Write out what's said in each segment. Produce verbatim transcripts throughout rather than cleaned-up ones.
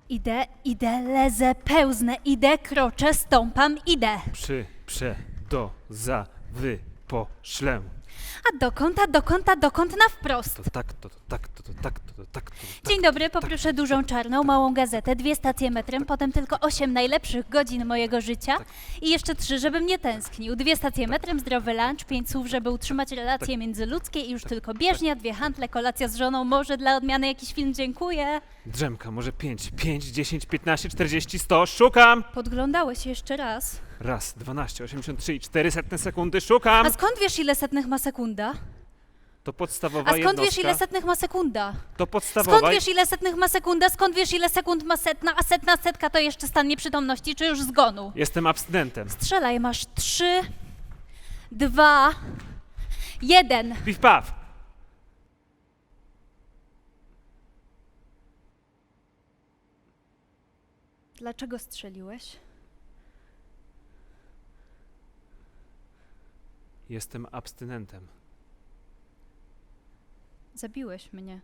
Idę, idę, lezę, pełznę, idę, kroczę, stąpam, idę. Przy, prze, do, za, wy, po, szlę. A dokąd, a dokąd, a dokąd na wprost. To tak, to, to tak, to, to tak, to, to tak, to, to tak. Dzień dobry, poproszę dużą czarną, małą gazetę, dwie stacje metrem, potem tylko osiem najlepszych godzin mojego życia i jeszcze trzy, żebym nie tęsknił. Dwie stacje metrem, zdrowy lunch, pięć słów, żeby utrzymać relacje międzyludzkie i już tylko bieżnia, dwie handle, kolacja z żoną, może dla odmiany jakiś film, dziękuję. Drzemka, może pięć, pięć, dziesięć, piętnaście, czterdzieści, sto, szukam! Podglądałeś jeszcze raz. Raz, dwanaście, osiemdziesiąt trzy i cztery setne sekundy, szukam! A skąd wiesz, ile setnych ma sekunda? To podstawowa A skąd jednostka. wiesz, ile setnych ma sekunda? To podstawowa... Skąd wiesz, ile setnych ma sekunda? Skąd wiesz, ile sekund ma setna? A setna setka to jeszcze stan nieprzytomności, czy już zgonu? Jestem abstynentem. Strzelaj, masz trzy, dwa, jeden. Piw, paw! Dlaczego strzeliłeś? Jestem abstynentem. Zabiłeś mnie.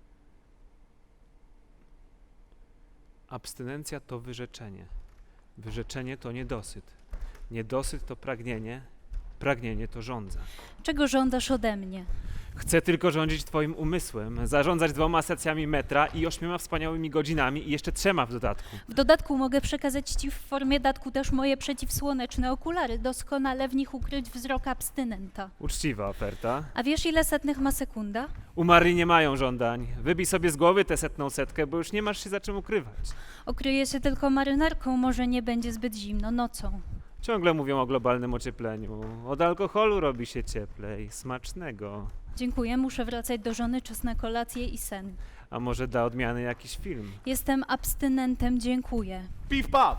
Abstynencja to wyrzeczenie. Wyrzeczenie to niedosyt. Niedosyt to pragnienie. Pragnienie to żądza. Czego żądasz ode mnie? Chcę tylko rządzić twoim umysłem, zarządzać dwoma stacjami metra i ośmioma wspaniałymi godzinami i jeszcze trzema w dodatku. W dodatku mogę przekazać ci w formie datku też moje przeciwsłoneczne okulary, doskonale w nich ukryć wzrok abstynenta. Uczciwa oferta. A wiesz, ile setnych ma sekunda? Umarli nie mają żądań. Wybij sobie z głowy tę setną setkę, bo już nie masz się za czym ukrywać. Okryję się tylko marynarką, może nie będzie zbyt zimno nocą. Ciągle mówią o globalnym ociepleniu. Od alkoholu robi się cieplej. Smacznego. Dziękuję, muszę wracać do żony, czas na kolację i sen. A może da odmiany jakiś film? Jestem abstynentem, dziękuję. Piw, paw!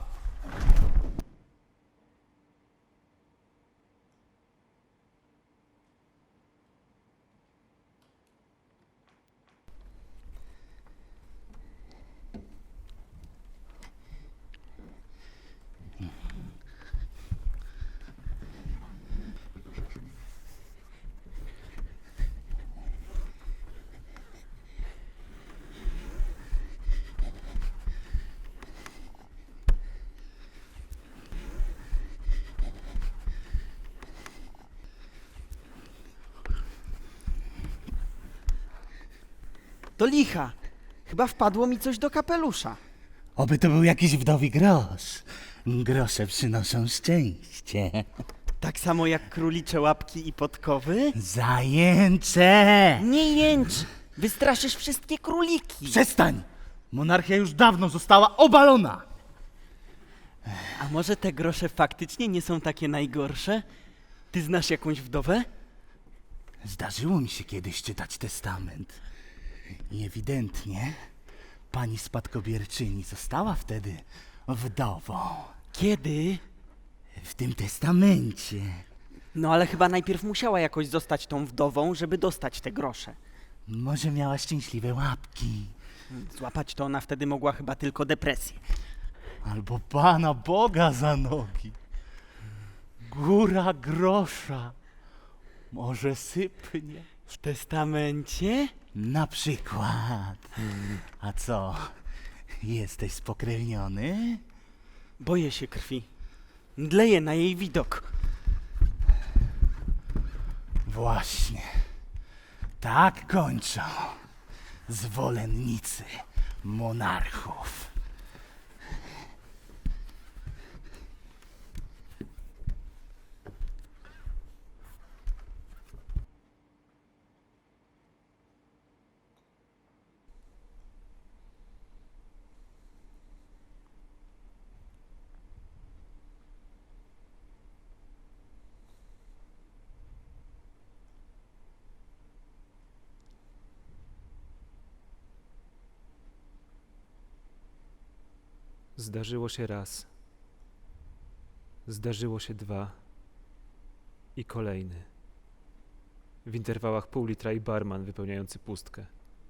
Do licha! Chyba wpadło mi coś do kapelusza. Oby to był jakiś wdowi grosz. Grosze przynoszą szczęście. Tak samo jak królicze łapki i podkowy? Zajęcze! Nie jęcz! Wystraszysz wszystkie króliki! Przestań! Monarchia już dawno została obalona! A może te grosze faktycznie nie są takie najgorsze? Ty znasz jakąś wdowę? Zdarzyło mi się kiedyś czytać testament. I ewidentnie pani spadkobierczyni została wtedy wdową. Kiedy? W tym testamencie. No ale chyba najpierw musiała jakoś zostać tą wdową, żeby dostać te grosze. Może miała szczęśliwe łapki. Złapać to ona wtedy mogła chyba tylko depresję. Albo Pana Boga za nogi. Góra grosza. Może sypnie. W testamencie? Na przykład. A co? Jesteś spokrewniony? Boję się krwi. Mdleję na jej widok. Właśnie. Tak kończą zwolennicy monarchów. Zdarzyło się raz. Zdarzyło się dwa. I kolejny. W interwałach pół litra i barman wypełniający pustkę.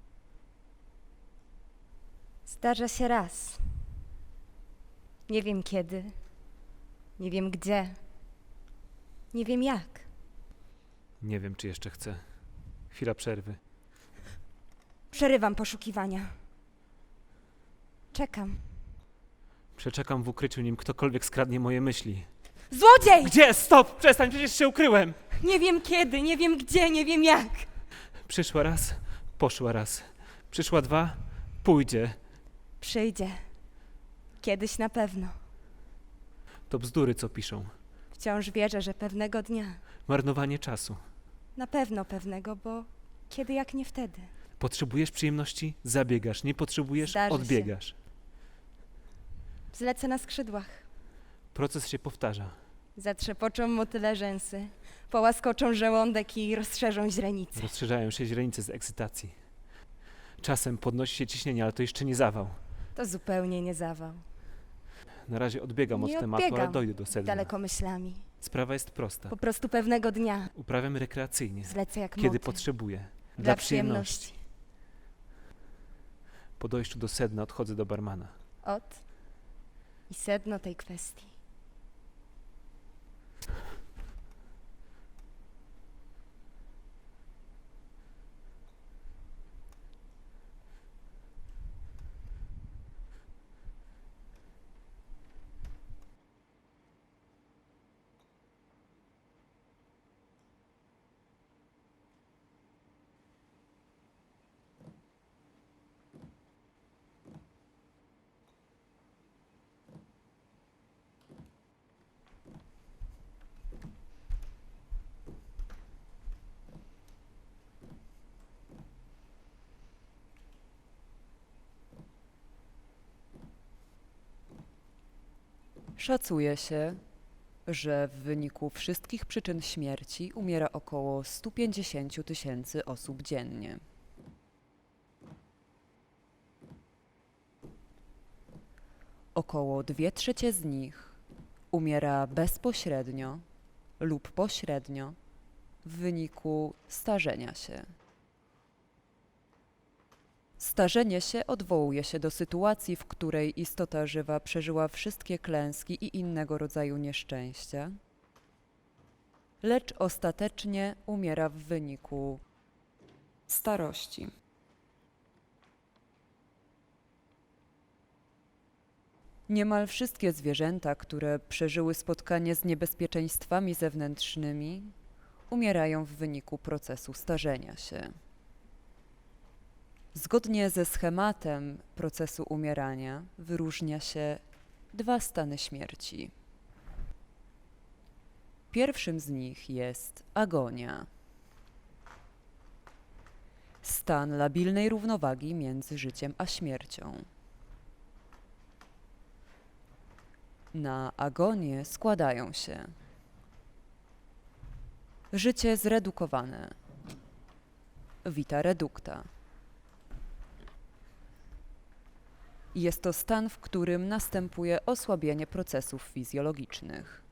Zdarza się raz. Nie wiem kiedy. Nie wiem gdzie. Nie wiem jak. Nie wiem, czy jeszcze chcę. Chwila przerwy. Przerywam poszukiwania. Czekam. Przeczekam w ukryciu, nim ktokolwiek skradnie moje myśli. Złodziej! Gdzie? Stop! Przestań, przecież się ukryłem! Nie wiem kiedy, nie wiem gdzie, nie wiem jak. Przyszła raz, poszła raz. Przyszła dwa, pójdzie. Przyjdzie. Kiedyś na pewno. To bzdury, co piszą. Wciąż wierzę, że pewnego dnia. Marnowanie czasu. Na pewno pewnego, bo kiedy jak nie wtedy. Potrzebujesz przyjemności? Zabiegasz. Nie potrzebujesz? Zdarzy się. Odbiegasz. Zlecę na skrzydłach. Proces się powtarza. Zatrzepoczą motyle rzęsy, połaskoczą żołądek i rozszerzą źrenice. Rozszerzają się źrenice z ekscytacji. Czasem podnosi się ciśnienie, ale to jeszcze nie zawał. To zupełnie nie zawał. Na razie odbiegam Nie od tematu, ale odbiegam. dojdę do sedna. Daleko myślami. Sprawa jest prosta. Po prostu pewnego dnia Uprawiam rekreacyjnie, zlecę jak kiedy motyl. potrzebuję. Dla przyjemności. Po dojściu do sedna odchodzę do barmana. Ot i sedno tej kwestii. Szacuje się, że w wyniku wszystkich przyczyn śmierci umiera około sto pięćdziesiąt tysięcy osób dziennie. Około dwie trzecie z nich umiera bezpośrednio lub pośrednio w wyniku starzenia się. Starzenie się odwołuje się do sytuacji, w której istota żywa przeżyła wszystkie klęski i innego rodzaju nieszczęścia, lecz ostatecznie umiera w wyniku starości. Niemal wszystkie zwierzęta, które przeżyły spotkanie z niebezpieczeństwami zewnętrznymi, umierają w wyniku procesu starzenia się. Zgodnie ze schematem procesu umierania wyróżnia się dwa stany śmierci. Pierwszym z nich jest agonia. Stan labilnej równowagi między życiem a śmiercią. Na agonię składają się życie zredukowane, vita reducta. Jest to stan, w którym następuje osłabienie procesów fizjologicznych.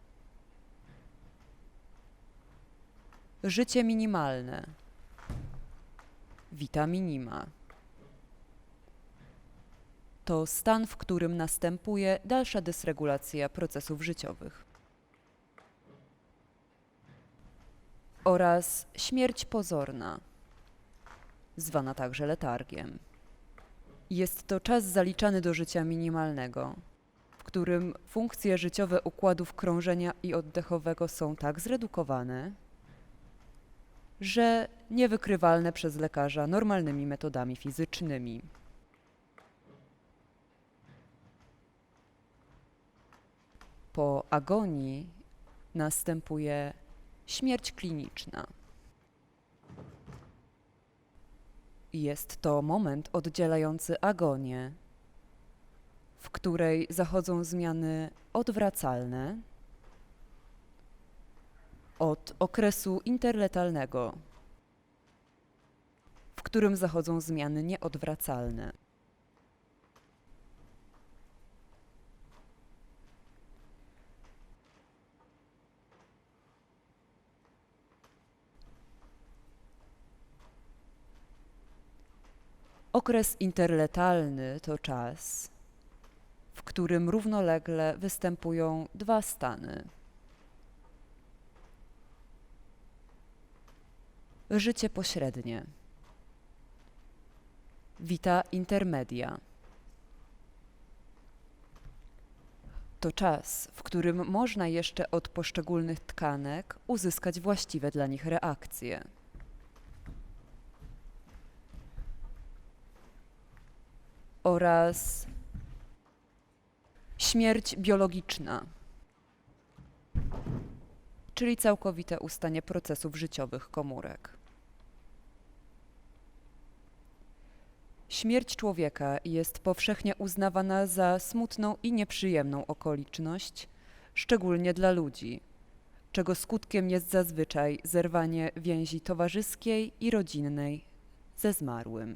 Życie minimalne, vita minima. To stan, w którym następuje dalsza dysregulacja procesów życiowych. Oraz śmierć pozorna, zwana także letargiem. Jest to czas zaliczany do życia minimalnego, w którym funkcje życiowe układów krążenia i oddechowego są tak zredukowane, że niewykrywalne przez lekarza normalnymi metodami fizycznymi. Po agonii następuje śmierć kliniczna. Jest to moment oddzielający agonię, w której zachodzą zmiany odwracalne od okresu interletalnego, w którym zachodzą zmiany nieodwracalne. Okres interletalny to czas, w którym równolegle występują dwa stany. Życie pośrednie, vita intermedia. To czas, w którym można jeszcze od poszczególnych tkanek uzyskać właściwe dla nich reakcje. Oraz śmierć biologiczna, czyli całkowite ustanie procesów życiowych komórek. Śmierć człowieka jest powszechnie uznawana za smutną i nieprzyjemną okoliczność, szczególnie dla ludzi, czego skutkiem jest zazwyczaj zerwanie więzi towarzyskiej i rodzinnej ze zmarłym.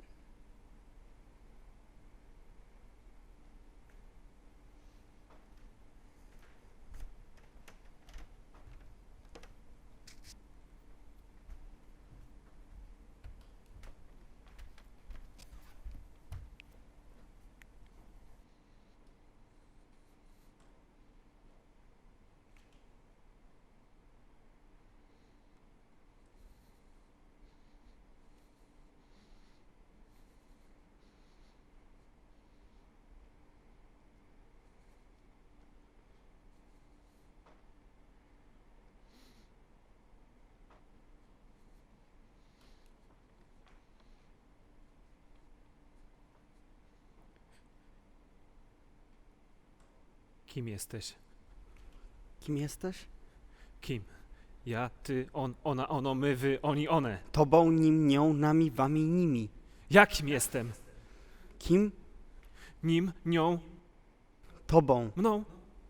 Kim jesteś? Kim jesteś? Kim? Ja, ty, on, ona, ono, my, wy, oni, one. Tobą, nim, nią, nami, wami, nimi. Jakim jestem? Kim? Nim, nią, Tobą. mną.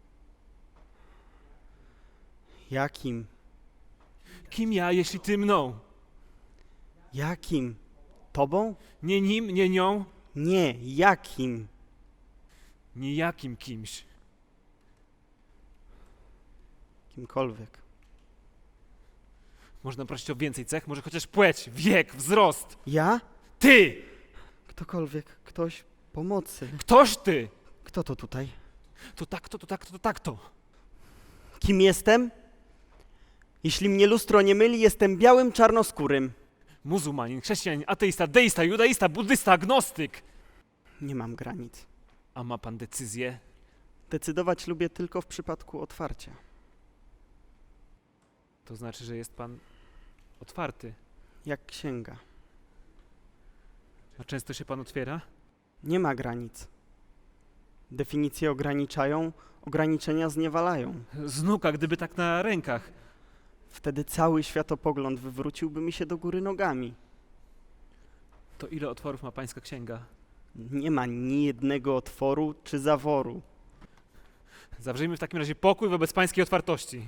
Jakim? Kim ja, jeśli ty mną? Jakim? Tobą? Nie nim, nie nią, Nie, jakim? nijakim kimś. Kimkolwiek. Można prosić o więcej cech, może chociaż płeć, wiek, wzrost. Ja? Ty! Ktokolwiek, ktoś, pomocy. Ktoś ty! Kto to tutaj? To tak to, to tak to, to tak to. Kim jestem? Jeśli mnie lustro nie myli, jestem białym czarnoskórym. Muzułmanin, chrześcijanin, ateista, deista, judaista, buddysta, agnostyk. Nie mam granic. A ma pan decyzję? Decydować lubię tylko w przypadku otwarcia. To znaczy, że jest pan otwarty. Jak księga. A często się pan otwiera? Nie ma granic. Definicje ograniczają, ograniczenia zniewalają. Znuka, gdyby tak na rękach. Wtedy cały światopogląd wywróciłby mi się do góry nogami. To ile otworów ma pańska księga? Nie ma ni jednego otworu czy zaworu. Zawrzyjmy w takim razie pokój wobec pańskiej otwartości.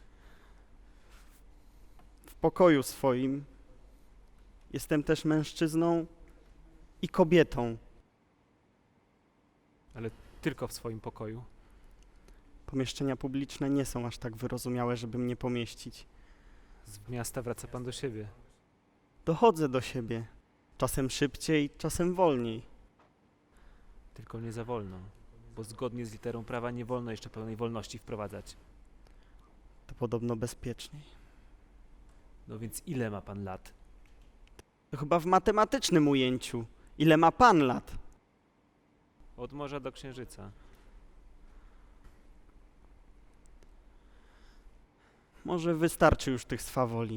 W pokoju swoim jestem też mężczyzną i kobietą. Tylko w swoim pokoju. Pomieszczenia publiczne nie są aż tak wyrozumiałe, żeby mnie pomieścić. Z miasta wraca pan do siebie. Dochodzę do siebie. Czasem szybciej, czasem wolniej. Tylko nie za wolno. Bo zgodnie z literą prawa nie wolno jeszcze pełnej wolności wprowadzać. To podobno bezpieczniej. No więc ile ma pan lat? To chyba w matematycznym ujęciu. Ile ma pan lat? Od morza do księżyca. Może wystarczy już tych swawoli.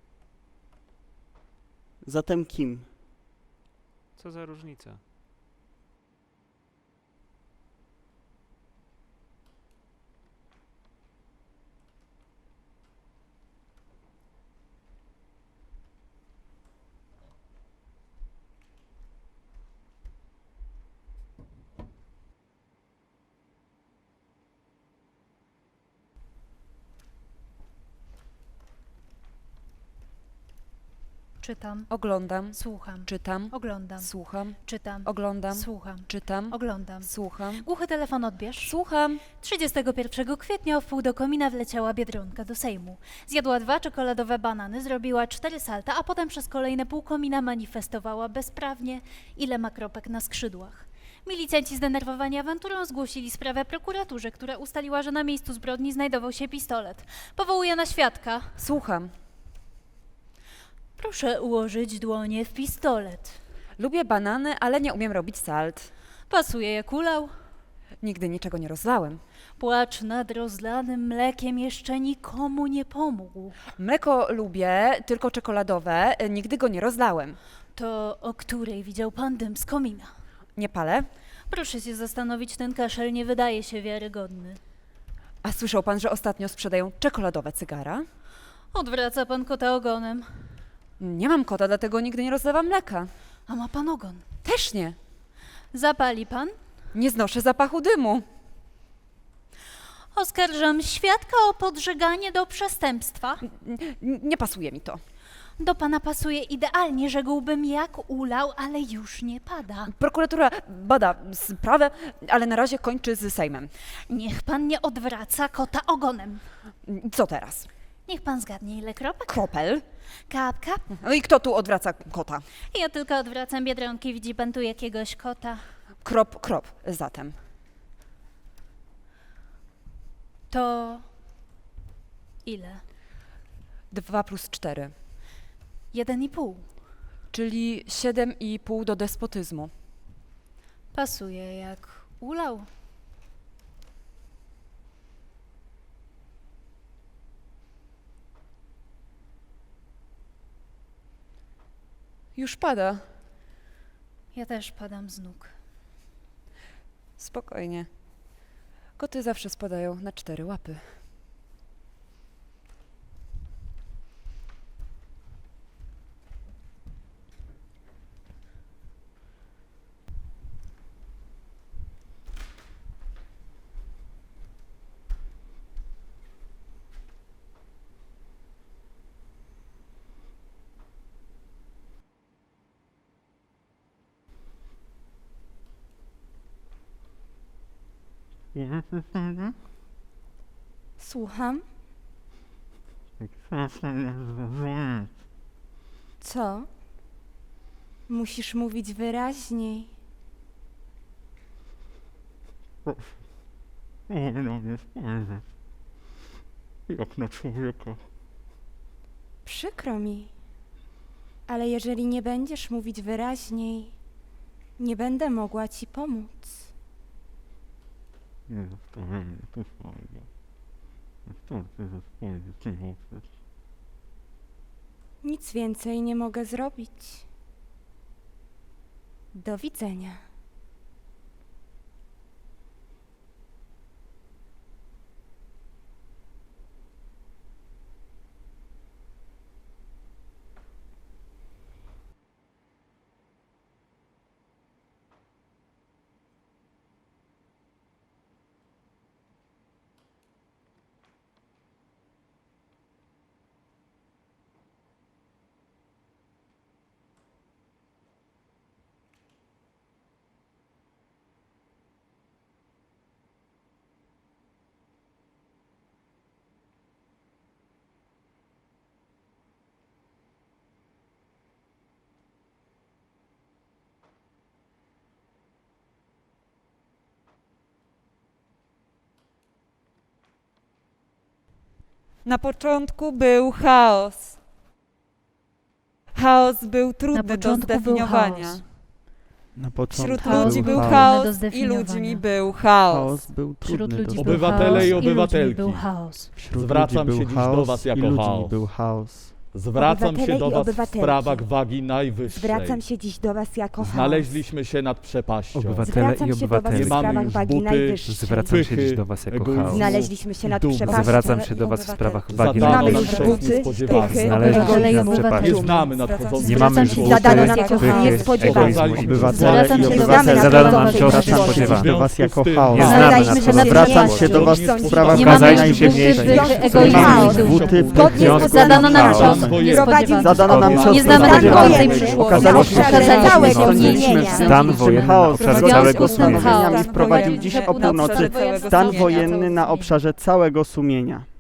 Zatem kim? Co za różnica? Czytam, Oglądam, słucham, czytam, oglądam, słucham, czytam, oglądam, słucham, czytam, oglądam. słucham, Głuchy telefon odbierz. słucham. trzydziestego pierwszego kwietnia o wpół do komina wleciała Biedronka do Sejmu. Zjadła dwa czekoladowe banany, zrobiła cztery salta, a potem przez kolejne pół komina manifestowała bezprawnie, ile ma kropek na skrzydłach. Milicjanci zdenerwowani awanturą zgłosili sprawę prokuraturze, która ustaliła, że na miejscu zbrodni znajdował się pistolet. Powołuje na świadka. Słucham. Proszę ułożyć dłonie w pistolet. Lubię banany, ale nie umiem robić salt. Pasuje jak ulał. Nigdy niczego nie rozlałem. Płacz nad rozlanym mlekiem jeszcze nikomu nie pomógł. Mleko lubię, tylko czekoladowe. Nigdy go nie rozlałem. To o której widział pan dym z komina? Nie palę. Proszę się zastanowić, ten kaszel nie wydaje się wiarygodny. A słyszał pan, że ostatnio sprzedają czekoladowe cygara? Odwraca pan kota ogonem. Nie mam kota, dlatego nigdy nie rozlewam mleka. A ma pan ogon. Też nie. Zapali pan? Nie znoszę zapachu dymu. Oskarżam świadka o podżeganie do przestępstwa. N- nie pasuje mi to. Do pana pasuje idealnie, rzekłbym jak ulał, ale już nie pada. Prokuratura bada sprawę, ale na razie kończy z Sejmem. Niech pan nie odwraca kota ogonem. Co teraz? Niech pan zgadnie, ile kropek? Kropel? Kap, kap. No i kto tu odwraca kota? Ja tylko odwracam biedronki. Widzi pan tu jakiegoś kota? Krop, krop, zatem. To ile? Dwa plus cztery, Jeden i pół. czyli siedem i pół do despotyzmu. Pasuje jak ulał. Już pada. Ja też padam z nóg. Spokojnie. Koty zawsze spadają na cztery łapy. Słucham? Co? Musisz mówić wyraźniej. Jak na człowieka. Przykro mi. Ale jeżeli nie będziesz mówić wyraźniej, nie będę mogła ci pomóc. Nie zostawiamy to swojego. Wystarczy, że spojrzysz mi w oczy. Nic więcej nie mogę zrobić. Do widzenia. Na początku był chaos. Chaos był trudny do początku był zdefiniowania. chaos. Na początku Wśród Chaos ludzi był był trudny chaos do i zdefiniowania. ludźmi był chaos. chaos był Wśród trudny ludzi do był Obywatele chaos i i ludźmi obywatelki. był chaos. Wśród Zwracam ludzi się był dziś do chaos was i jako ludźmi chaos. był chaos. Zwracam Obywatele się do i was w obywatelki. sprawach wagi najwyższej. Zwracam się dziś do was jako chaos. Znaleźliśmy się nad przepaścią. Obywatele Zwracam i się do was w obywatelki. Nie mamy sprawach już wagi buty, najwyższej. Zwracam się pychy, dziś do was jako egoizmu. chaos. Znaleźliśmy się nad Dumy. przepaścią. Zwracam się do was w sprawach wagi Zadano mamy nam już najwyższej. buty, niespodziewanych. pychy, Znaleźliśmy się egoizmu. nad przepaścią. Nie znamy Zwracam się- nadchodzących Nie mamy już Zwracam się buty, zadano nas jako pychy, niespodziewanych. egoizmu. Obywatele Zwracam i się do obywatele was Zadano jako nam się chaos. zwracam się niespodziewanych. do was jako Nie chaos. Nie znamy Znaleźliśmy się nad Zwracam przepaścią. się do was w sprawach Nie wagi mamy już najwyższej. buty, pychy, Nie egoizmu mamy i już dumy. buty, Zgodnie pychy, z Zadano nam ustawą cios Prowadzić niespodziewany. Zadano nam cios Nie znamy Stan nadchodzącej wojenny. przyszłości. Okazaliśmy się, Okazaliśmy całego się, zmienienia. Stan wojenny na chaos obszarze w związku całego z sumienia. postanowieniami Chaos. wprowadził dziś o Na obszarze północy całego stan sumienia. wojenny na obszarze całego sumienia.